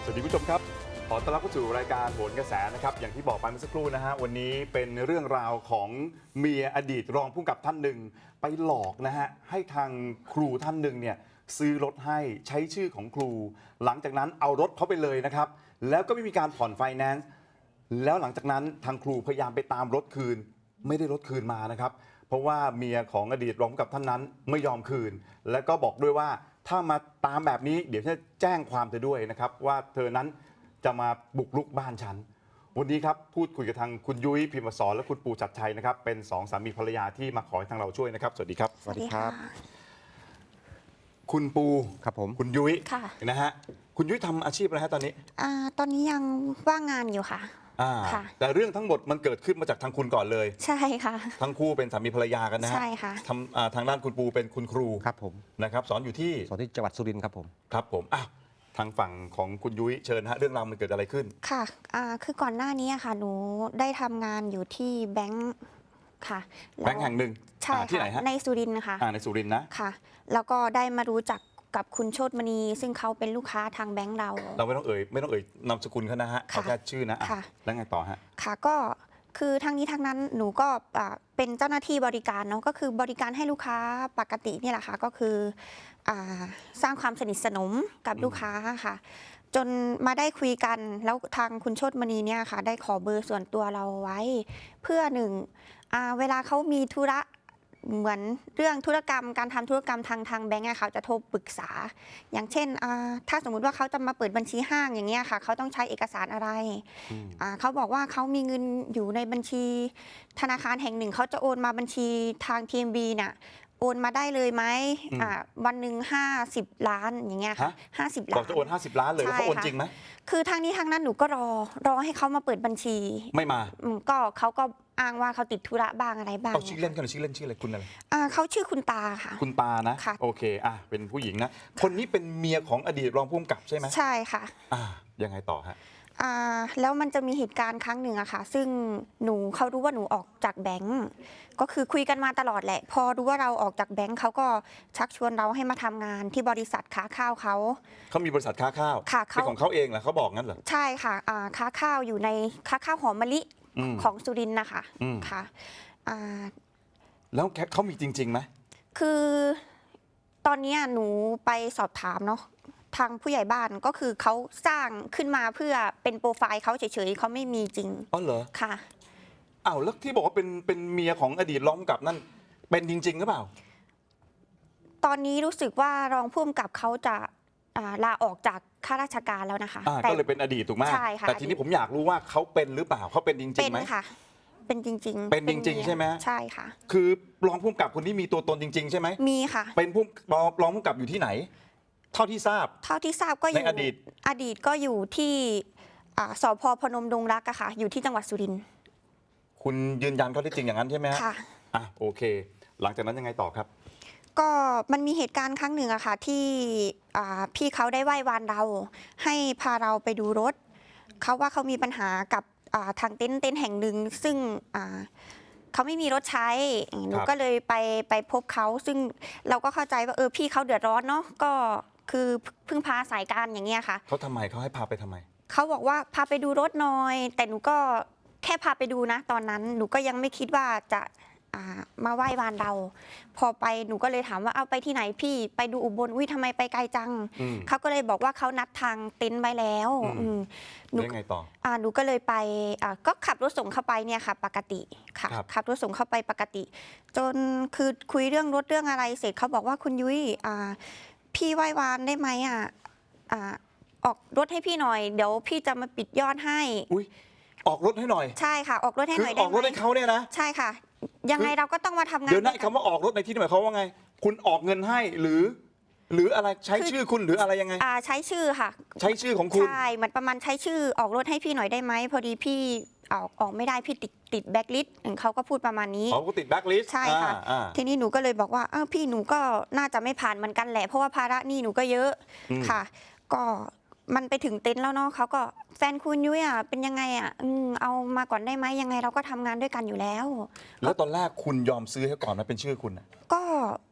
วัสดีผู้ชมครับขอต้อนรับเข้าสู่รายการโหนกระแสนะครับอย่างที่บอกไปเมื่อสักครู่นะฮะวันนี้เป็นเรื่องราวของเมียอดีตรองผู้กำกับท่านหนึ่งไปหลอกนะฮะให้ทางครูท่านหนึ่งเนี่ยซื้อรถให้ใช้ชื่อของครูหลังจากนั้นเอารถเขาไปเลยนะครับแล้วก็ไม่มีการผ่อนไฟแนนซ์แล้วหลังจากนั้นทางครูพยายามไปตามรถคืนไม่ได้รถคืนมานะครับเพราะว่าเมียของอดีตรองผู้กำกับท่านนั้นไม่ยอมคืนแล้วก็บอกด้วยว่าถ้ามาตามแบบนี้เดี๋ยวจะแจ้งความเธอด้วยนะครับว่าเธอนั้นจะมาบุกรุกบ้านฉันวันนี้ครับพูดคุยกับทางคุณยุ้ยพิมพ์สอนและคุณปูชัดชัยนะครับเป็นสองสามีภรรยาที่มาขอให้ทางเราช่วยนะครับสวัสดีครับสวัสดีครับคุณปูครับผมคุณยุ้ยค่ะนะฮะคุณยุ้ยทำอาชีพอะไรฮะตอนนี้ตอนนี้ยังว่างงานอยู่ค่ะ ค่ะแต่เรื่องทั้งหมดมันเกิดขึ้นมาจากทางคุณก่อนเลยใช่ค่ะทั้งคู่เป็นสามีภรรยากันนะฮะใช่ค่ะทางด้านคุณปูเป็นคุณครูครับผมนะครับสอนอยู่ที่สอนที่จังหวัดสุรินทร์ครับผมครับผมทางฝั่งของคุณยุ้ยเชิญฮะเรื่องราวมันเกิดอะไรขึ้นค่ะคือก่อนหน้านี้ค่ะ หนูได้ทำงานอยู่ที่แบงค์ค่ะล้วแบงค์แห่งหนึ่งใช่ที่ไหนค่ะฮะในสุรินทร์ค่ะในสุรินทร์นะค่ะ แล้วก็ได้มารู้จักกับคุณโชติมณี ซึ่งเขาเป็นลูกค้าทางแบงค์เราเราไม่ต้องเอ่ยนามสกุลเขานะฮะค่ะเอาแค่ชื่อนะค่ะแล้วไงต่อฮะค่ะก็คือทั้งนี้ทั้งนั้นหนูก็เป็นเจ้าหน้าที่บริการเนาะก็คือบริการให้ลูกค้าปกตินี่แหละค่ะก็คือสร้างความสนิทสนมกับลูกค้าค่ะ จนมาได้คุยกันแล้วทางคุณโชติมณีเนี่ยค่ะได้ขอเบอร์ส่วนตัวเราไว้ เพื่อหนึ่งเวลาเขามีธุระเหมือนเรื่องธุรกรรมการทำธุรกรรมทางแบงก์อะค่ะจะโทรปรึกษา อย่างเช่นถ้าสมมุติว่าเขาจะมาเปิดบัญชีห้างอย่างเงี้ยค่ะเขาต้องใช้เอกสารอะไรเขาบอกว่าเขามีเงินอยู่ในบัญชีธนาคารแห่งหนึ่งเขาจะโอนมาบัญชีทาง TMB น่ะโอนมาได้เลยไหมวันหนึ่ง50 ล้านอย่างเงี้ยค่ะ50 ล้านบอกจะโอน50 ล้านเลยแล้วเขาโอนจริงไหมคือทางนี้ทางนั้นหนูก็รอให้เขามาเปิดบัญชีไม่มาก็เขาก็อ้างว่าเขาติดธุระบ้างอะไรบ้างเอาชื่อเล่นกันเลยชื่อเล่นชื่ออะไรคุณอะไรเขาชื่อคุณตาค่ะคุณตานะค่ะโอเคเป็นผู้หญิงนะคนนี้เป็นเมียของอดีตรองผู้กำกับใช่ไหมใช่ค่ะยังไงต่อฮะแล้วมันจะมีเหตุการณ์ครั้งหนึ่งอะค่ะซึ่งเขารู้ว่าหนูออกจากแบงก์ก็คือคุยกันมาตลอดแหละ พอรู้ว่าเราออกจากแบงก์เขาก็ชักชวนเราให้มาทำงานที่บริษัทค้าข้าวเขามีบริษัทค้าข้าวค่ะเป็นของเขาเองเหรอเขาบอกงั้นเหรอใช่ค่ะค้าข้าวอยู่ในค้าข้าวหอมมะลิของสุรินทร์นะคะค่ะแล้วเขามีจริงๆไหมคือตอนนี้หนูไปสอบถามเนาะทางผู้ใหญ่บ้านก็คือเขาสร้างขึ้นมาเพื่อเป็นโปรไฟล์เขาเฉยๆเขาไม่มีจริงอ๋อเหรอค่ะแล้วที่บอกว่าเป็นเมียของอดีตรองผู้กำกับนั่นเป็นจริงๆหรือเปล่าตอนนี้รู้สึกว่ารองผู้กำกับเขาจะลาออกจากข้าราชการแล้วนะคะก็เลยเป็นอดีตถูกไหมใช่ค่ะแต่ทีนี้ผมอยากรู้ว่าเขาเป็นหรือเปล่าเขาเป็นจริงเป็ๆนไหมค่ะ เป็นจริงๆเป็นจริงๆใช่ไหมใช่ค่ะคือรองผู้กำกับคนนี้มีตัวตนจริง ๆ ใช่ไหมมีค่ะเป็นรองผู้กำกับอยู่ที่ไหน เท่าที่ทราบเท่าที่ทราบก็อยู่ในอดีตอดีตก็อยู่ที่สพพนมดงรักอะค่ะ อยู่ที่จังหวัดสุรินทร์คุณยืนยันข้อเท็จจริงอย่างนั้นใช่ไหมฮะค่ะโอเค หลังจากนั้นยังไงต่อครับก็มันมีเหตุการณ์ครั้งหนึ่งอะค่ะที่พี่เขาได้ไหว้วานเราให้พาเราไปดูรถเขาว่าเขามีปัญหากับทางเต็นท์แห่งหนึ่งซึ่งเขาไม่มีรถใช้หนูก็เลยไปพบเขาซึ่งเราก็เข้าใจว่าพี่เขาเดือดร้อนเนาะก็คือพึ่งพาสายการอย่างเงี้ยค่ะเขาทำไมเขาให้พาไปทำไมเขาบอกว่าพาไปดูรถหน่อย แต่หนูก็แค่พาไปดูนะตอนนั้นหนูก็ยังไม่คิดว่าจะมาไหว้วานเรา พอไปหนูก็เลยถามว่าเอาไปที่ไหนพี่ไปดูอุบลทำไมไปไกลจังเขาก็เลยบอกว่าเขานัดทางเต็นท์ไว้แล้วหนูยังไงต่อหนูก็เลยไปก็ขับรถส่งเข้าไปเนี่ยค่ะปกติค่ะขับรถส่งเข้าไปปกติ จนคือคุยเรื่องรถเรื่องอะไรเสร็จเขาบอกว่าคุณยุ้ยพี่ไหว้วานได้ไหมออกรถให้พี่หน่อยเดี๋ยวพี่จะมาปิดยอดให้ออกรถให้หน่อยใช่ค่ะออกรถให้หน่อยได้ไหมออกรถให้เขาเนี่ยนะใช่ค่ะยังไงเราก็ต้องมาทำงานเดี๋ยวนะคำว่าออกรถในที่นี้หมายความว่าไงคุณออกเงินให้หรืออะไรใช้ชื่อคุณหรืออะไรยังไงใช้ชื่อค่ะใช้ชื่อของคุณใช่เหมือนประมาณใช้ชื่อออกรถให้พี่หน่อยได้ไหมพอดีพี่ออกไม่ได้พี่ติดแบ็คลิสต์เขาก็พูดประมาณนี้เขาก็ติดแบ็คลิสต์ใช่ค่ะทีนี้หนูก็เลยบอกว่าพี่หนูก็น่าจะไม่ผ่านเหมือนกันแหละเพราะว่าภาระหนี้หนูก็เยอะค่ะก็มันไปถึงเต็นท์แล้วเนาะเขาก็แฟนคุณยุ้ยเป็นยังไงเอามาก่อนได้ไหมยังไงเราก็ทำงานด้วยกันอยู่แล้วแล้วตอนแรกคุณยอมซื้อให้ก่อนไหมเป็นชื่อคุณก็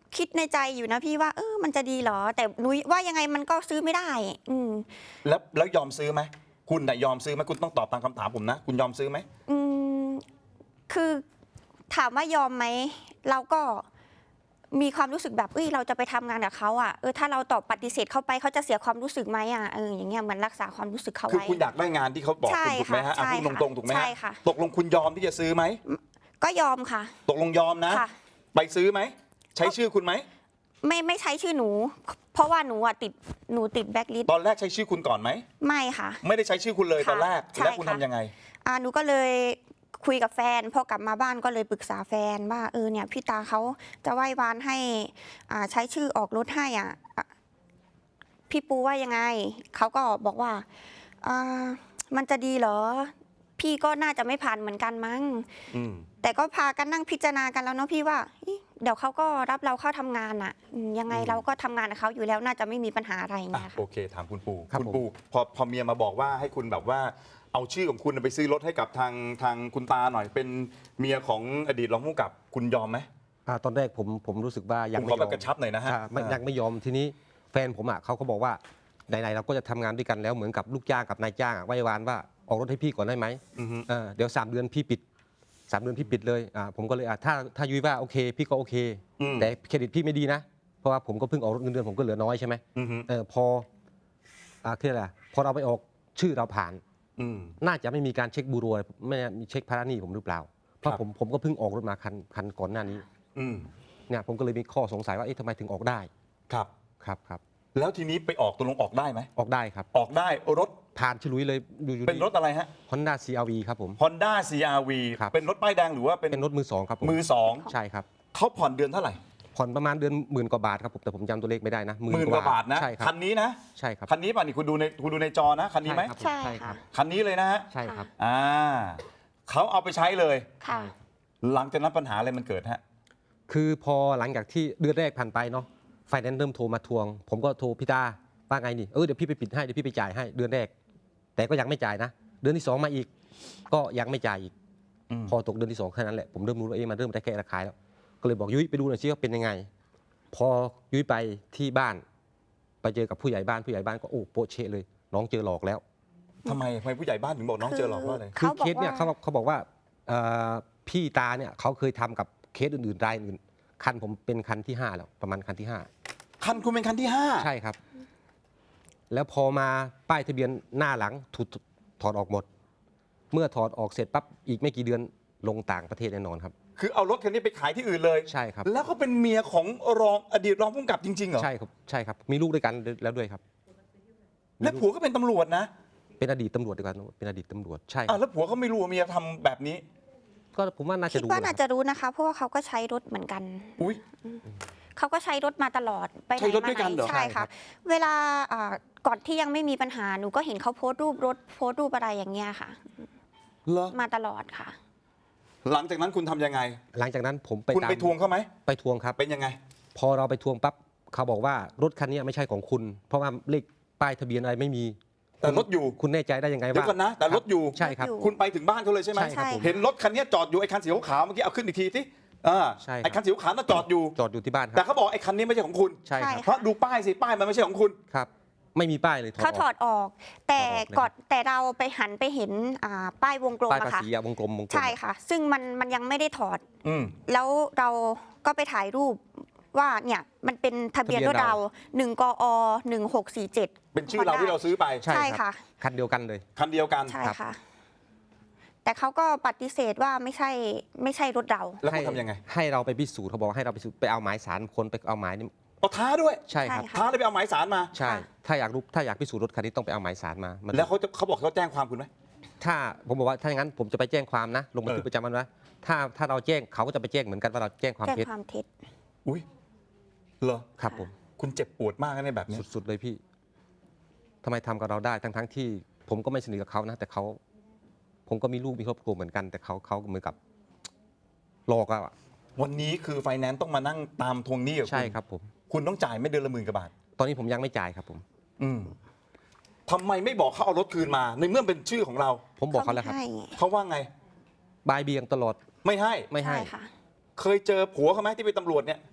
คิดในใจอยู่นะพี่ว่ามันจะดีเหรอ แต่นุ้ยว่ายังไงมันก็ซื้อไม่ได้แล้วยอมซื้อไหมคุณน่ะยอมซื้อไหมคุณต้องตอบตามคำถามผมนะ คุณยอมซื้อไหมอืมคือถามว่ายอมไหมเราก็มีความรู้สึกแบบเราจะไปทำงานกับเขาอ่ะถ้าเราตอบปฏิเสธเขาไปเขาจะเสียความรู้สึกไหมอ่ะอย่างเงี้ยเหมือนรักษาความรู้สึกเขาคือไว้คุณอยากได้งานที่เขาบอกใช่คุณถูกไหมฮะค่ะพูดตรงๆถูกไหมใช่ฮะค่ะตกลงคุณยอมที่จะซื้อไหมก็ยอมค่ะตกลงยอมนะค่ะไปซื้อไหมใช้ชื่อคุณไหมไม่ใช้ชื่อหนู เพราะว่าหนูติดแบ็คลิสต์ตอนแรกใช้ชื่อคุณก่อนไหมไม่ค่ะไม่ได้ใช้ชื่อคุณเลยค่ะตอนแรกใช่แล้วคุณค่ะทำยังไงหนูก็เลยคุยกับแฟนพอกลับมาบ้านก็เลยปรึกษาแฟนว่าเนี่ยพี่ตาเขาจะไหว้วานให้ใช้ชื่อออกรถให้พี่ปูว่ายังไงเขาก็บอกว่ามันจะดีเหรอพี่ก็น่าจะไม่ผ่านเหมือนกันมั้ง แต่ก็พากันนั่งพิจารณากันแล้วเนาะพี่ว่าเดี๋ยวเขาก็รับเราเข้าทำงานอ่ะยังไงเราก็ทำงานกับเขาอยู่แล้วน่าจะไม่มีปัญหาอะไรอย่างเงี้ยค่ะโอเคถามคุณปูครับคุณปูพอเมียมาบอกว่าให้คุณแบบว่าเอาชื่อของคุณไปซื้อรถให้กับทางคุณตาหน่อยเป็นเมียของอดีตรองผู้กำกับคุณยอมไหมตอนแรกผมรู้สึกว่ายังผมไม่ขยออแบบมกระชับหน่อยนะฮะยังไม่ยอมทีนี้แฟนผมเขาก็บอกว่าไหนๆเราก็จะทำงานด้วยกันแล้วเหมือนกับลูกจ้างกับนายจ้างไหว้วานว่าออกรถให้พี่ก่อนได้ไหมอือฮึเดี๋ยว3 เดือนพี่ปิด3 เดือนพี่ปิดเลยผมก็เลยถ้ายุ้ยว่าโอเคพี่ก็โอเค แต่เครดิตพี่ไม่ดีนะเพราะว่าผมก็เพิ่งออกรถเงินเดือนผมก็เหลือน้อยใช่ไหมอือฮึพอที่อะไรพอเราไปออกชื่อเราผ่านอืมน่าจะไม่มีการเช็คบูโรไม่มีเช็คภาระหนี้ผมหรือเปล่าเพราะครับผมก็เพิ่งออกรถมาคันก่อนหน้านี้อืมเนี่ยผมก็เลยมีข้อสงสัยว่าทำไมถึงออกได้ครับครับแล้วทีนี้ไปออกตกลงออกได้ไหมออกได้ครับออกได้รถผ่านฉลุยเลยอยู่เป็นรถอะไรฮะ Honda CR-V ครับผม Honda CR-V ครับเป็นรถป้ายแดงหรือว่าเป็นเป็นรถมือ 2ครับผมมือสองใช่ครับเขาผ่อนเดือนเท่าไหร่ผ่อนประมาณเดือน10,000 กว่าบาทครับผมแต่ผมจำตัวเลขไม่ได้นะหมื่นกว่าบาทนะใช่ครับคันนี้นะใช่ครับคันนี้ป่ะนี่คุณดูในจอนะคันนี้ไหมครับใช่ใช่คค่ะรับคันนี้เลยนะฮะใช่ครับเขาเอาไปใช้เลยค่ะหลังจากนั้นปัญหาอะไรมันเกิดฮะคือพอหลังจากที่เดือนแรกผ่านไปเนาะไฟแนนซ์เริ่มโทรมาทวง ผมก็โทรพี่ตาว่าไงนี่เดี๋ยวพี่ไปปิดให้เดี๋ยวพี่ไปจ่ายให้เดือนแรก แต่ก็ยังไม่จ่ายนะ เดือนที่ 2มาอีก ก็ยังไม่จ่ายอีก พอตกเดือนที่ 2แค่นั้นแหละผมเริ่มรู้ว่ามันเริ่มได้แค่ระคายแล้วก็เลยบอกยุ้ยไปดูหน่อยซิว่าเป็นยังไง พอยุ้ยไปที่บ้าน ไปเจอกับผู้ใหญ่บ้านก็โอ้โปะเชะเลย น้องเจอหลอกแล้วทำไมผู้ใหญ่บ้านถึงบอกน้องเจอหลอกว่าอะไรคือเขาบอกเคสเนี่ยว่าเขาบอกว่าพี่ตาเนี่ยเขาเคยทำกับเคสอื่นๆรายอื่นคันผมเป็นคันที่ 5 แล้วประมาณคันที่คันคุณเป็นคันที่ 5 ใช่ครับ แล้วพอมาป้ายทะเบียนหน้าหลังถูกถอดออกหมด เมื่อถอดออกเสร็จปั๊บอีกไม่กี่เดือนลงต่างประเทศแน่นอนครับคือเอารถคันนี้ไปขายที่อื่นเลยใช่ครับแล้วก็เป็นเมียของอดีตรองผู้กำกับจริงๆเหรอใช่ครับมีลูกด้วยกันแล้วด้วยครับและผัวก็เป็นตำรวจนะเป็นอดีตตำรวจดีกว่าเป็นอดีตตำรวจใช่คอ่ะรับแล้วผัวเขาไม่รู้ว่าเมียทำแบบนี้ก็ผมว่าน่าคิจะดรู้ว่านะน่าคจะรับรู้นะคะ เพราะว่าเขาก็ใช้รถเหมือนกันอุ้ยเขาก็ใช้รถมาตลอดไปไหนใช้รถมาด้วยไหกันเหรอนใช่ค่ะ เวลาก่อนที่ยังไม่มีปัญหาหนูก็เห็นเขาโพสต์รูปรถโพสต์รูปอะไรอย่างเงี้ยค่ะเหรอมาตลอดค่ะหลังจากนั้นคุณทำยังไงหลังจากนั้นผมไปคุณตามไปทวงเขาไหมไปทวงครับเป็นยังไงพอเราไปทวงปั๊บเขาบอกว่ารถคันนี้ไม่ใช่ของคุณ เพราะว่าเลขป้ายทะเบียนอะไรไม่มีแต่รถอยู่คุณแน่ใจได้ยังไงเดี๋ยว่าวก่อนนะ แต่รถอยู่ใช่ครับรถอยู่คุณไปถึงบ้านเขาเลยใช่ไหมใช่ครับผมเห็นรถคันนี้จอดอยู่ไอ้คันสีขาวๆเมื่อกี้เอาขึ้นอีกทีสิใช่ครับไอ้คันสีขาวน่ะจอดอยู่จอดอยู่ที่บ้านคแต่รับเขาบอกไอ้คันนี้ไม่ใช่ของคุณใช่ครับใช่เพราะดูป้ายสิป้ายมันไม่ใช่ของคุณครับ ไม่มีป้ายเลยเขาถอดออก แต่ถอดออกเลยก่อนแต่เราไปหันไปเห็นป้ายวงกลมป้ายอะภาค่ะษีอะวงกลมใช่ค่ะ ซึ่งมันยังไม่ได้ถอดอืมแล้วเราก็ไปถ่ายรูปว่าเนี่ยมันเป็นทะเบียนรถเรา1 กอ 1647 เป็นชื่อเราที่เราซื้อไปใช่ใช่ครัค่ะบคันเดียวกันเลยคันเดียวกันใช่ค่ะ แต่เขาก็ปฏิเสธว่าไม่ใช่รถเราแล้วคุณทำยังไงให้เราไปพิสูจน์เขาบอกให้เราไปพิสูจน์ไปเอาหมายสารคนไปเอาหมายนี่เอาท้าด้วยใช่ครับใช่ท้าเลยไปเอาหมายสารมาใช่ค่ะถ้าอยากพิสูจน์รถคันนี้ต้องไปเอาหมายสารมามันแล้วเขาบอกเขาแจ้งความคุณไหมถ้าผมบอกว่าถ้าอย่างนั้นผมจะไปแจ้งความนะลงบันทึกประจำวันไว้ถ้าเราแจ้งเขาก็จะไปแจ้งเหมือนกันว่าเราแจ้งความแจ้งเท็จความเท็จอุ้ยเหรอครับผมคุณเจ็บปวดมากนะในแบบนี้สุดๆเลยพี่ทำไมทำกับเราได้ทั้งที่ผมก็ไม่สนิทกับเขานะ แต่ผมก็มีลูกมีครอบครัวเหมือนกัน แต่เขาเหมือนกับหลอกเราอะวันนี้คือไฟแนนซ์ต้องมานั่งตามทวงหนี้กับคุณใช่ครับผมคุณต้องจ่ายไม่เดือนละ10,000 กว่าบาทตอนนี้ผมยังไม่จ่ายครับผมอืมทำไมไม่บอกเขาเอารถคืนมา ในเมื่อเป็นชื่อของเราผมบอกเขาแล้วครับไม่ให้เขาว่าไงบายเบียงตลอดไม่ให้ไม่ให้ใช่ค่ะเคยเจอผัวเขาไหมที่เป็นตำรวจเนี่ย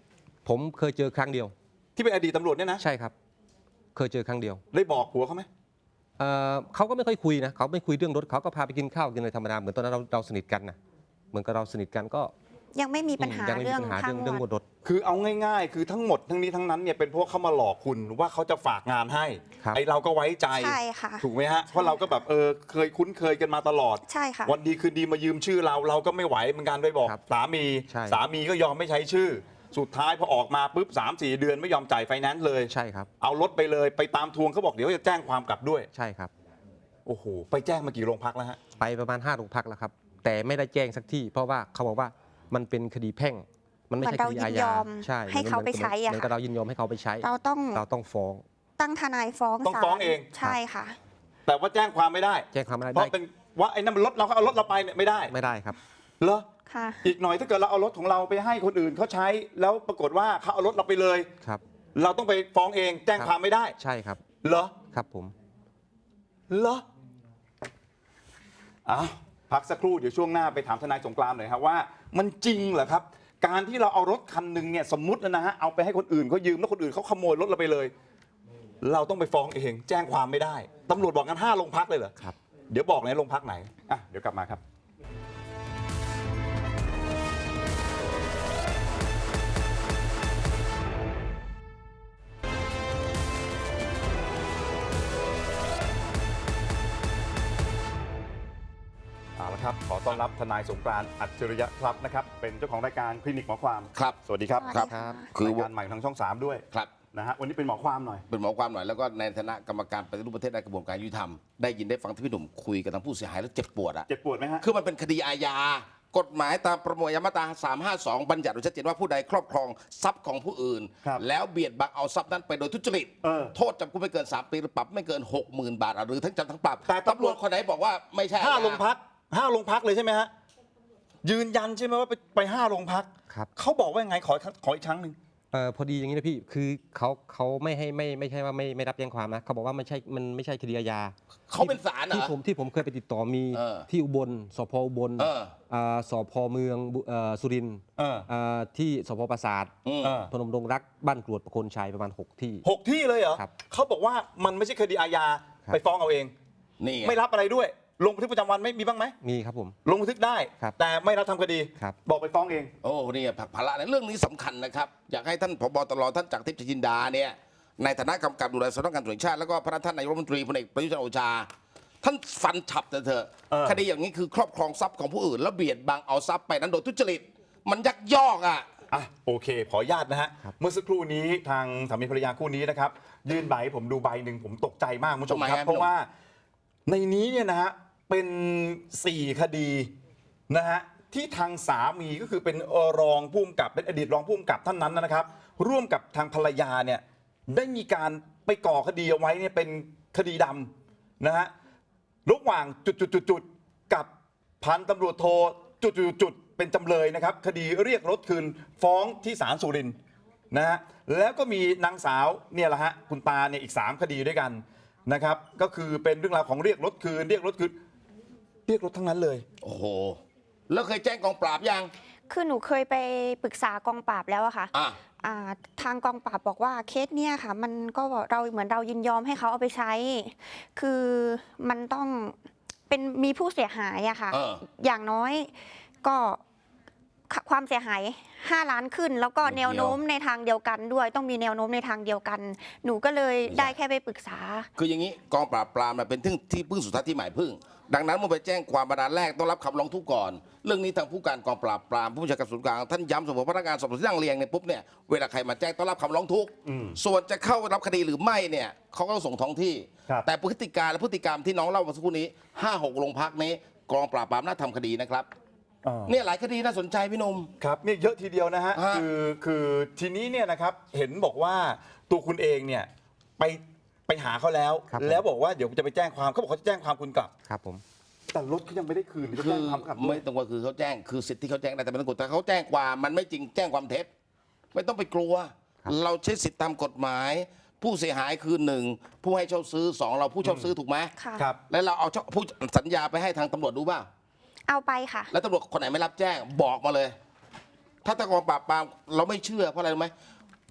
ผมเคยเจอครั้งเดียวที่เป็นอดีตตำรวจเนี่ยนะใช่ครับ เคยเจอครั้งเดียวได้บอกผัวเขาไหมเขาก็ไม่ค่อยคุยนะเขาไม่คุยเรื่องรถเขาก็พาไปกินข้าวกินอะไรธรรมดาเหมือนตอนนั้นเราสนิทกันนะเหมือนกับเราสนิทกันก็ยังไม่มีปัญหายังไม่เรื่มีองปัญหาค่าเรื่องงงววดดรถคือเอาง่ายๆ คือทั้งหมดทั้งนี้ทั้งนั้นเนี่ยเป็นเพราะเขามาหลอกคุณว่าเขาจะฝากงานให้ครับไอเราก็ไว้ใจใช่ค่ะถูกไหมฮะ เพราะเราก็แบบเคยคุ้นเคยกันมาตลอดใช่ค่ะวันดีคืนดีมายืมชื่อเราก็ไม่ไหวเหมือนกันไปบอกครับสามีใช่สามีก็ยอมไม่ใช้ชื่อ สุดท้ายพอออกมาปุ๊บ3-4 เดือนไม่ยอมจ่ายไฟแนนซ์เลยใช่ครับเอารถไปเลยไปตามทวงเขาบอกเดี๋ยวจะแจ้งความกลับด้วยใช่ครับโอ้โหไปแจ้งมากี่โรงพักแล้วฮะไปประมาณ5 โรงพักแล้วครับ แต่ไม่ได้แจ้งสักที่ เพราะว่าเขาบอกว่ามันเป็นคดีแพ่ง มันไม่ใช่คดีอาเหมือนเรายินยญาอมใช่ให้เขาไปใช้อะเหมือนกับเรายินยอมให้เขาไปใช้เราต้องเราต้องฟ้องตั้งทนายฟ้องต้องศาลฟ้องเองใช่ค่ะแต่ว่าแจ้งความไม่ได้แจ้งความไม่ได้เพราะเป็นว่าไอ้นั่นมันรถเราก็เอารถเราไปเนี่ยไม่ได้ไม่ได้ครับเหรอค่ะอีกหน่อยถ้าเกิดเราเอารถของเราไปให้คนอื่นเขาใช้ แล้วปรากฏว่าเขาเอารถเราไปเลยครับเราต้องไปฟ้องเอง แจ้งความไม่ได้ใช่ครับเหรอครับผมเหรออ้าวพักสักครู่เดี๋ยวช่วงหน้าไปถามทนายสงกรานต์หน่อยครับว่ามันจริงเหรอครับ การที่เราเอารถคันหนึ่งเนี่ยสมมุตินะฮะเอาไปให้คนอื่นเขายืมแล้วคนอื่นเขาขโมยรถเราไปเลย เราต้องไปฟ้องเองแจ้งความไม่ได้ตำรวจบอกกัน5 โรงพักเลยเหรอครับเดี๋ยวบอกในโรงพักไหนอ่ะเดี๋ยวกลับมาครับ เอาละครับ ขอต้อนรับทนายสงกรานต์อัจฉริยะทรัพย์นะครับ เป็นเจ้าของรายการคลินิกหมอความครับสวัสดีครับสวัสดีค่ะคือรายการใหม่ทางช่อง 3 ด้วยครับนะฮะ วันนี้เป็นหมอความหน่อยเป็นหมอความหน่อยแล้วก็ในฐานะกรรมการปฏิรูปประเทศในกระบวนการยุติธรรมได้ยินได้ฟังที่พี่หนุ่มคุยกับทางผู้เสียหายแล้วเจ็บปวดอ่ะเจ็บปวดไหมฮะคือมันเป็นคดีอาญากฎหมายตามประมวลอาญามาตรา352 บัญญัติไว้ชัดเจนว่าผู้ใดครอบครองทรัพย์ของผู้อื่นครับแล้วเบียดบังเอาทรัพย์นั้นไปโดยทุจริต โทษจำคุกไม่เกิน 3 ปีหรือปรับไม่เกิน 60,000 บาทหรือทั้งจำทั้งปรับแต่ตำรวจคนไหนบอกว่าไม่ใช่อาญา 5 โรงพัก 5 โรงพักเลยใช่ไหมฮะ ยืนยันใช่ไหมว่าไป5 โรงพักครับเขาบอกว่ายังไงขออีกครั้งหนึ่งพอดีอย่างนี้นะพี่ คือเขาไม่ใช่ว่าไม่รับแจ้งความนะเขาบอกว่ามันไม่ใช่คดีอาญาเขาเป็นศาลเหรอที่ผมเคยไปติดต่อมีเออที่อุบลสพอุบลเออสพเมืองสุรินทร์เออที่สพปราสาทอืมเออพนมดงรักบ้านกรวดประโคนชัยประมาณ 6 ที่ 6 ที่เลยเหรอครับเขาบอกว่ามันไม่ใช่คดีอาญาครับไปฟ้องเอาเองนี่ไงไม่รับอะไรด้วย ลงบันทึกประจำวันไม่มีบ้างไหมมีครับผมลงบันทึกได้ครับแต่ไม่รับทำคดีครับบอกไปฟ้องเองโอ้นี่ผักภาระในเรื่องนี้สำคัญนะครับ อยากให้ท่านผบตรท่านจากทิพย์จินดาเนี่ยในฐานะกำกับดูแลสำนักงานตำรวจแห่งชาติแล้วก็พระท่านนายกรัฐมนตรีพลเอกประยุทธ์จันทร์โอชา ท่านฟันฉับเถอะ คดีอย่างนี้คือครอบครองทรัพย์ของผู้อื่น แล้วเบียดบังเอาทรัพย์ไปนั้นโดยทุจริต มันยักยอกอ่ะอ่ะโอเค ขออนุญาตนะฮะ เมื่อสักครู่นี้ทางสามีภรรยาคู่นี้นะครับ ยื่นใบให้ผมดูใบหนึ่งผมตกใจมากคุณผู้ชมทำไมครับฮะเพราะว่าในนี้เนี่ยนะฮะเป็น 4 คดีนะฮะที่ทางสามีก็คือเป็นรองผู้กำกับเป็นอดีตรองผู้กำกับท่านนั้นนะครับ ร่วมกับทางภรรยาเนี่ยได้มีการไปก่อคดีเอาไว้เนี่ยเป็นคดีดำนะฮะระหว่างจุดๆๆๆกับพันตำรวจโทจุดๆๆเป็นจำเลยนะครับ คดีเรียกรถคืนฟ้องที่ศาลสุรินทร์นะฮะแล้วก็มีนางสาวเนี่ยแหละฮะคุณตาเนี่ยอีก 3 คดีด้วยกันนะครับก็คือเป็นเรื่องราวของเรียกรถคืนเรียกรถทั้งนั้นเลยโอ้โห แล้วเคยแจ้งกองปราบยังคือหนูเคยไปปรึกษากองปราบแล้วอะค่ะอ่ะทางกองปราบบอกว่าเคสเนี่ยค่ะ มันก็เราเหมือนเรายินยอมให้เขาเอาไปใช้ คือมันต้องเป็นมีผู้เสียหายอะค่ะ อย่างน้อยก็ความเสียหาย5 ล้านขึ้น แล้วก็แนวโน้มในทางเดียวกันด้วย ต้องมีแนวโน้มในทางเดียวกัน หนูก็เลยได้แค่ไปปรึกษาคืออย่างนี้กองปราบปรามเป็นที่พึ่งสุดท้ายที่หมายพึ่ง ดังนั้นเมื่อไปแจ้งความประดานแรกต้องรับคำร้องทุกข์ก่อน เรื่องนี้ทางผู้การกองปราบปรามผู้บัญชาการศูนย์กลางท่านย้ำเสมอพนักงานสอบสวนที่นั่งเรียงเนี่ยปุ๊บเนี่ยเวลาใครมาแจ้งต้องรับคำร้องทุกข์ส่วนจะเข้ารับคดีหรือไม่เนี่ยเขาก็ต้องส่งท้องที่ครับแต่พฤติการและพฤติกรรมที่น้องเล่าเมื่อสักครู่นี้5-6 โรงพักนี้กองปราบปรามน่าทำคดีนะครับเนี่ยหลายคดีน่าสนใจพี่หนุ่มครับเนี่ยเยอะทีเดียวนะฮะฮะคือทีนี้เนี่ยนะครับเห็นบอกว่าตัวคุณเองเนี่ยไปหาเขาแล้วครับแล้วบอกว่าเดี๋ยวจะไปแจ้งความเขาบอกเขาจะแจ้งความคุณกลับครับผมแต่รถเขายังไม่ได้คืนจะคืแจ้องความกลับด้วไม่ยต้องว่าคือเขาแจ้งคือสิทธิ์ที่เขาแจ้งได้แต่ไม่ต้องกดแต่เขาแจ้งความมันไม่จริงแจ้งความเท็จไม่ต้องไปกลัวครับเราใช้สิทธิ์ตามกฎหมาย ผู้เสียหายคือ1ผู้ให้เช่าซื้อ2เราผู้เช่าซื้อถูกไหมค่ะครับแล้วเราเอาผู้สัญญาไปให้ทางตำรวจดูบ้างเอาไปค่ะแล้วตำรวจคนไหนไม่รับแจ้งบอกมาเลย ถ้ากองปราบปรามเราไม่เชื่อเพราะอะไรรู้ไหม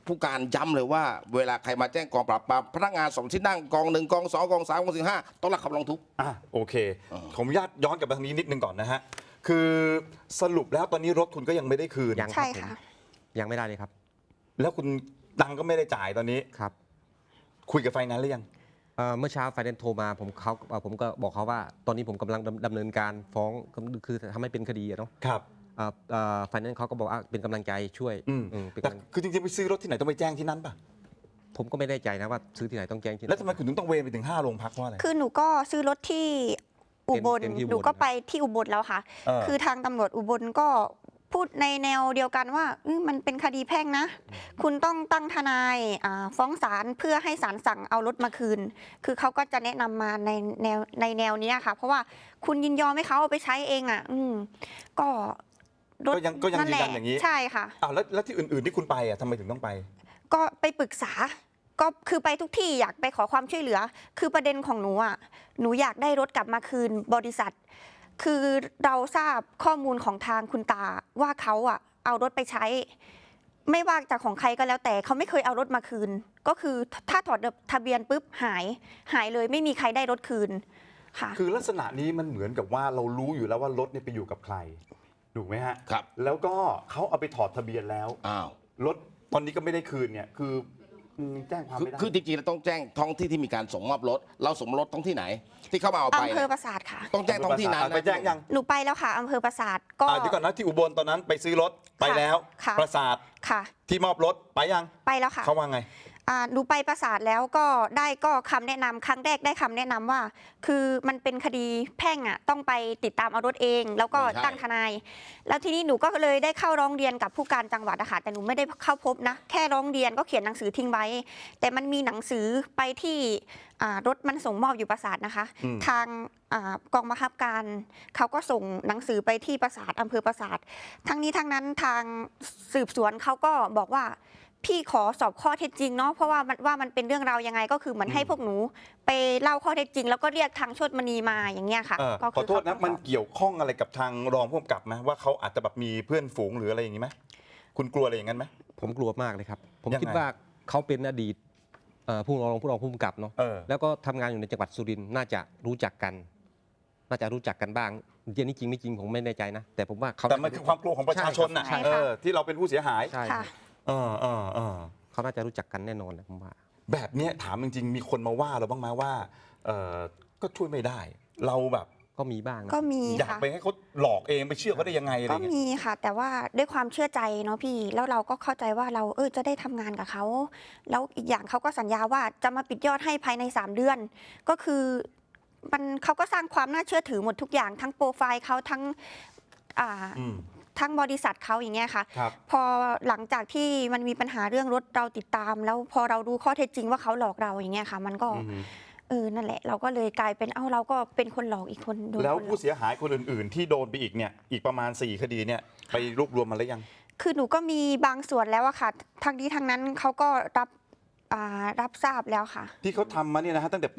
ผู้การย้ำเลยว่าเวลาใครมาแจ้งกองปราบปรามพนักงาน2ที่นั่งกอง1กอง2กอง3กอง4 5ต้องรับคำร้องทุกข์โอเคผมญาตย้อนกลับมาทางนี้นิดนึงก่อนนะฮะคือสรุปแล้วตอนนี้รถคุณก็ยังไม่ได้คืนยังคใช่รับผมค่ะยังไม่ได้เลยครับแล้วคุณตังค์ก็ไม่ได้จ่ายตอนนี้ครับคุยกับไฟแนนซ์หรือยังเมื่อเช้าไฟแนนซ์โทรมาผมก็บอกเขาว่า ตอนนี้ผมกำลังดำเนินการฟ้องคือทำให้เป็นคดีอะเนาะครับไฟแนนซ์เขาก็บอกว่าเป็นกำลังใจช่วย เป็นแต่กำลังคือจริงๆไปซื้อรถที่ไหนต้องไปแจ้งที่นั่นป่ะผมก็ไม่ได้ใจนะว่าซื้อที่ไหนต้องแจ้งที่ไหนแล้วทำไมคุณถึงต้องเวรไปถึง5โรงพักเพราะอะไรคือหนูก็ซื้อรถที่อุบลเต็มที่อุบลหนูก็ไปที่อุบลแล้วค่ะ คือทางตำรวจอุบลก็พูดในแนวเดียวกันว่ามันเป็นคดีแพ่งนะ คุณต้องตั้งทนายฟ้องศาลเพื่อให้ศาลสั่งเอารถมาคืน คือเขาก็จะแนะนำมาในแนวนี้ค่ะ เพราะว่าคุณยินยอมให้เขาเอาไปใช้เองก็รถก็ยังนั่นแหละยืนยันอย่างนี้ใช่ค่ะแล้วที่อื่นๆที่คุณไปทำไมถึงต้องไปก็ไปปรึกษา ก็คือไปทุกที่อยากไปขอความช่วยเหลือ คือประเด็นของหนูหนูอยากได้รถกลับมาคืนบริษัท คือเราทราบข้อมูลของทางคุณตาว่าเขาเอารถไปใช้ ไม่ว่าจากของใครก็แล้วแต่เขาไม่เคยเอารถมาคืน ก็คือถ้าถอดทะเบียนปุ๊บหายเลยไม่มีใครได้รถคืนค่ะคือลักษณะนี้มันเหมือนกับว่าเรารู้อยู่แล้วว่ารถเนี่ยไปอยู่กับใครถูกไหมฮะครับแล้วก็เขาเอาไปถอดทะเบียนแล้วอ้าวรถตอนนี้ก็ไม่ได้คืนเนี่ยคือแจ้งความไม่ได้คือจริงๆเราต้องแจ้งท้องที่ที่มีการส่งมอบรถ เราส่งรถท้องที่ไหน ที่เข้ามาเอาไปอำเภอปราสาทค่ะต้องแจ้งท้องที่นั้นไปแจ้งยังหนูไปแล้วค่ะอำเภอปราสาทก็เดี๋ยวก่อนนะที่อุบลตอนนั้นไปซื้อรถไปแล้วค่ะประสาทค่ะที่มอบรถไปยังไปแล้วค่ะเขาว่าไงหนูไปปราสาทแล้วก็ได้ก็คำแนะนำครั้งแรกได้คำแนะนำว่า คือมันเป็นคดีแพ่งต้องไปติดตามเอารถเอง แล้วก็ไม่ใช่ตั้งทนาย แล้วทีนี้หนูก็เลยได้เข้าร้องเรียนกับผู้การจังหวัดนะคะแต่หนูไม่ได้เข้าพบนะแค่ร้องเรียนก็เขียนหนังสือทิ้งไว้ แต่มันมีหนังสือไปที่รถมันส่งมอบอยู่ปราสาทนะคะ ทางกองบังคับการเขาก็ส่งหนังสือไปที่ปราสาทอำเภอปราสาททั้งนี้ทั้งนั้นทางสืบสวนเขาก็บอกว่า พี่ขอสอบข้อเท็จจริงเนาะเพราะว่ามันเป็นเรื่องราวยังไงก็คือเหมือนให้พวกหนูไปเล่าข้อเท็จจริง แล้วก็เรียกทางโชติมณีมาอย่างเงี้ยค่ะก็ขอโทษนะมันเกี่ยวข้องอะไรกับทางรองผู้กำกับไหมว่าเขาอาจจะแบบมีเพื่อนฝูงหรืออะไรอย่างนี้ไหมคุณกลัวอะไรอย่างนั้นไหมผมกลัวมากเลยครับ ผมยังไงคิดว่าเขาเป็นอดีตผู้รองผู้กำกับเนาะ แล้วก็ทำงานอยู่ในจังหวัดสุรินทร์น่าจะรู้จักกันบ้างเรื่องนี้จริงไม่จริงผมไม่แน่ใจนะ แต่ผมว่าเขาแต่มันคือความกลัวของประชาชนนะใช่ค่ะที่เราเป็นผู้เสียหายใช่ค่ะเขาน่าจะรู้จักกันแน่นอนแหละผมว่าแบบเนี้ยถามจริงๆมีคนมาว่าเราบ้างไหมว่าก็ช่วยไม่ได้ เราแบบก็มีบ้างนะก็มีอยากค่ะไปให้เขาหลอกเองไปเชื่อเขาได้ยังไงอะไรก็เงี้ยมีค่ะ แต่ว่าด้วยความเชื่อใจเนาะพี่ แล้วเราก็เข้าใจว่าเราจะได้ทำงานกับเขาแล้วอีกอย่างเขาก็สัญญาว่าจะมาปิดยอดให้ภายใน3 เดือน ก็คือเขาก็สร้างความน่าเชื่อถือหมดทุกอย่างทั้งโปรไฟล์เขาทั้งทั้งบริษัทเขาอย่างเงี้ยค่ะครับพอหลังจากที่มันมีปัญหาเรื่องรถเราติดตาม แล้วพอเรารู้ข้อเท็จจริงว่าเขาหลอกเราอย่างเงี้ยค่ะ มันก็นั่นแหละ เราก็เลยกลายเป็นเราก็เป็นคนหลอกอีกคนโดนแล้วคนหลผู้อกเสียหายคนอื่นๆ ที่โดนไปอีกเนี่ยอีกประมาณ4คดีเนี่ยไปรวบรวมมาแล้วยังคือหนูก็มีบางส่วนแล้วอะค่ะทางนี้ทางนั้นเขาก็รับทราบแล้วค่ะที่เขาทำมาเนี่ยนะฮะตั้งแต่ปี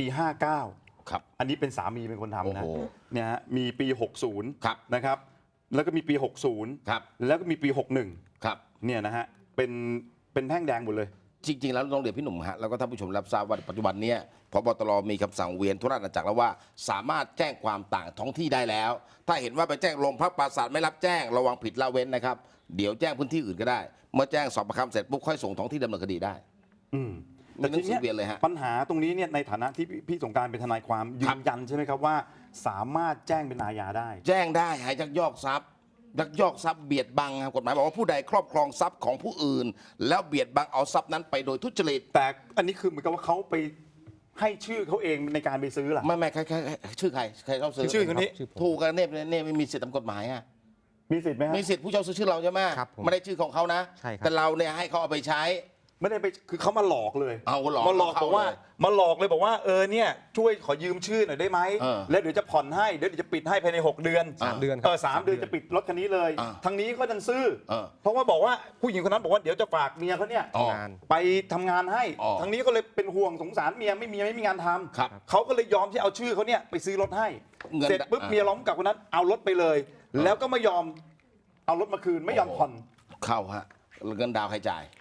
59 ครับอันนี้เป็นสามีเป็นคนทำนะโอ้โหเนี่ยฮะมีปี 60 ครับนะครับ แล้วก็มีปี 60 ครับแล้วก็มีปี 61 ครับเนี่ยนะฮะเป็นแท่งแดงหมดเลยจริง ๆ แล้วต้องเรียนพี่หนุ่มฮะแล้วก็ท่านผู้ชมรับทราบว่าปัจจุบันเนี้ยพบตรมีคำสั่งเวียนทุกราชอาณาจักรแล้วว่าสามารถแจ้งความต่างท้องที่ได้แล้ว ถ้าเห็นว่าไปแจ้งโรงพักปราสาทไม่รับแจ้งระวังผิดละเว้นนะครับเดี๋ยวแจ้งพื้นที่อื่นก็ได้ เมื่อแจ้งสอบประคำเสร็จปุ๊บค่อยส่งท้องที่ดำเนินคดีได้แต่ทีมีหนังสือเวียนเลยฮะปัญหาตรงนี้เนี่ยในฐานะที่พี่สงกรารเป็นทนายความยืนยันใช่ไหมครับว่าสามารถแจ้งเป็นอาญาได้แจ้งได้หายยักยอกทรัพย์ยักยอกทรัพย์เบียดบังครับกฎหมายบอกว่าผู้ใดครอบครองทรัพย์ของผู้อื่น แล้วเบียดบังเอาทรัพย์นั้นไปโดยทุจริตแต่อันนี้คือเหมือนกับว่าเขาไปให้ชื่อเขาเองในการไปซื้อล่ะไม่ใครชื่อใครเข้าซื้อชื่อคนนี้ชื่อผมถูกกันเนี่ยไม่มีสิทธิ์ตามกฎหมายอ่ะมีสิทธิ์ไหมฮะมีสิทธิ์ผู้เช่าซื้อชื่อเราใช่ไหมครับผมไม่ได้ชื่อของเขานะใช่ครับแต่เราเนี่ยให้เขาเอาไปใช้ไม่ได้ไปคือเขามาหลอกเลยเอาหลอกมาหลอกเขาบอกว่าเลยมาหลอกเลยบอกว่าเนี่ยช่วยขอยืมชื่อหน่อยได้ไหมเออแล้วเดี๋ยวจะผ่อนให้เดี๋ยวจะปิดให้ภายใน6 เดือน 3 เดือนครับ 3 เดือนจะปิดรถคันนี้เลย ทางนี้ก็ดันซื้อ เพราะว่าบอกว่าผู้หญิงคนนั้นบอกว่าเดี๋ยวจะฝากเมียเขาเนี่ยอ๋องานไปทำงานให้อ๋อทางนี้ก็เลยเป็นห่วงสงสารเมียไม่มีงานทำครับเขาก็เลยยอมที่เอาชื่อเขาเนี่ยไปซื้อรถให้เงินเสร็จปุ๊บเมียร้องกับคนนั้นเอารถไปเลย แล้วก็ไม่ยอมเอารถมาคืนไม่ยอมผ่อนเข้าฮะเงินดาวน์ใครจ่าย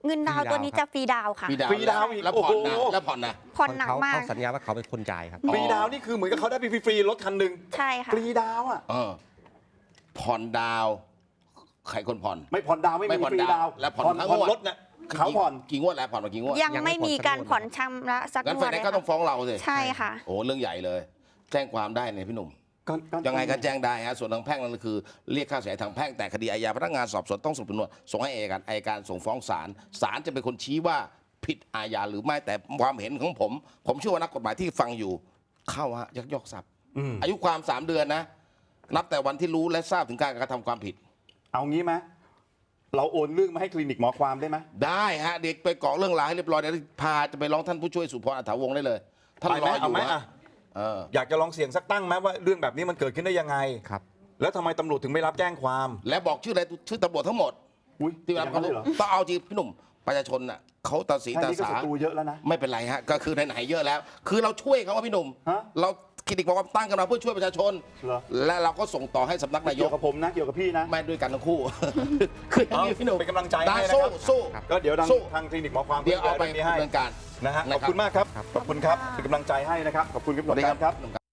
เงินดาวน์ตัวนี้จะฟรีดาวน์ค่ะฟรีดาวฟรีดาวน์อีกแล้วผ่อนนะโอ้โหแล้วผ่อนนะผ่อนหนักมากเขาสัญญาว่าเขาเป็นคนจ่ายครับฟรีดาวน์นี่คือเหมือนกับเขาได้ไปฟรีๆรถคันหนึ่งใช่ค่ะฟรีดาวน์อ่ะผ่อนดาวใครคนผ่อนไม่ผ่อนดาวน์ไม่ไม่มีผ่อนฟรีดาวดาวน์แล้วผ่อนทั้งผ่อนงวดรถเนี่ยเขาผ่อนกี่งวดแล้วผ่อนมากี่งวดยังไม่มีการผ่อนชำระสักงั้นงไฟวดแนเลนยซ์ก็ต้องค่ะฟ้องเราสิใช่ค่ะโอ้เรื่องใหญ่เลย แจ้งความได้เนี่ยพี่หนุ่ม ยังไงก็แจ้งได้ฮะส่วนทางแพ่งนั่นคือเรียกค่าเสียหายทางแพ่งแต่คดีอาญาพนักงานสอบสวนต้องสรุปสำนวนส่งให้อัยการส่งฟ้องศาลศาลจะเป็นคนชี้ว่าผิดอาญาหรือไม่แต่ความเห็นของผมเชื่อว่านักกฎหมายที่ฟังอยู่เข้าฮะยักยอกทรัพย์อายุความ3 เดือนนะ นับแต่วันที่รู้และทราบถึงการกระทำความผิดเอางี้ไหมเราโอนเรื่องมาให้คลินิกหมอความได้ไหมได้ฮะเด็กไปเกาะเรื่องราวให้เรียบร้อยเดี๋ยวพาจะไปร้องท่านผู้ช่วยสุพรอัฐาวงศ์ได้เลยท่านไปรไหมออเอายู่ไหมฮะอ่ะอยากจะลองเสี่ยงสักตั้งไหมว่าเรื่องแบบนี้มันเกิดขึ้นได้ยังไงครับแล้วทำไมตำรวจถึงไม่รับแจ้งความและบอกชื่ออะไรชื่อตำรวจทั้งหมดอุ้ยที่รับอย่างเขานั้นเลยเหรอต้องเอาจริงพี่หนุ่มประชาชนน่ะเขาตาสีแค่ตานี้ก็สาศัตรูเยอะแล้วนะไม่เป็นไรฮะก็คือไหนๆเยอะแล้ว คือเราช่วยเขาว่าพี่หนุ่มฮะเราคลินิกบอกว่าตั้งกันมาเพื่อช่วยประชาชนเหรอและเราก็ส่งต่อให้สำนักนายเกี่ยกวกับผมนะเกี่ยวกับพี่นะไม่ด้วยกันทั้งคู่ คืออย่างนี้พี่หนุ่มเป็นกำลังใจให้ได้นะครับสู้ก็เดี๋ยวสู้ทางคลินิกหมอความเดี๋ยวเอาไปนี้ให้ดำเนินการนะฮะขอบคุณมากครับขอบคุณครับเป็นกำลังใจให้นะครับขอบคุณครับสวัสดีครับครับ